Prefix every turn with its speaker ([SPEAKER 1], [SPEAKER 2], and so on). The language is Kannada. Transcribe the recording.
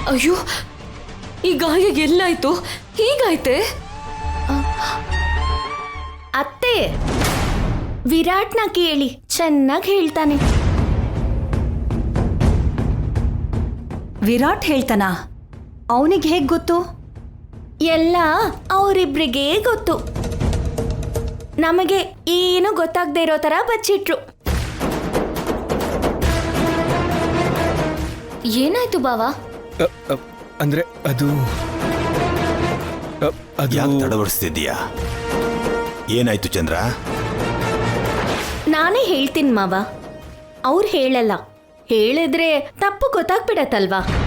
[SPEAKER 1] ಅಯ್ಯೋ, ಈ ಗಾಯ ಎಲ್ಲಾಯ್ತು? ಹೀಗಾಯ್ತೆ?
[SPEAKER 2] ಅತ್ತೆ, ವಿರಾಟ್ನ ಕೇಳಿ, ಚೆನ್ನಾಗಿ ಹೇಳ್ತಾನೆ.
[SPEAKER 3] ವಿರಾಟ್ ಹೇಳ್ತಾನ? ಅವನಿಗೆ ಹೇಗ್ ಗೊತ್ತು?
[SPEAKER 2] ಎಲ್ಲ ಅವರಿಬ್ರಿಗೆ ಗೊತ್ತು. ನಮಗೆ ಏನು ಗೊತ್ತಾಗದೆ ಇರೋ ತರ ಬಚ್ಚಿಟ್ರು.
[SPEAKER 1] ಏನಾಯ್ತು ಬಾವಾ?
[SPEAKER 4] ಅಂದ್ರೆ ಅದು
[SPEAKER 5] ಯಾಕೆ ತಡವಡಿಸ್ತಿದ್ದೀಯಾ? ಏನಾಯ್ತು ಚಂದ್ರ?
[SPEAKER 2] ನಾನೇ ಹೇಳ್ತೀನಿ ಮಾವ, ಅವ್ರು ಹೇಳಲ್ಲ. ಹೇಳಿದ್ರೆ ತಪ್ಪು ಗೊತ್ತಾಗ್ಬಿಡತ್ತಲ್ವಾ?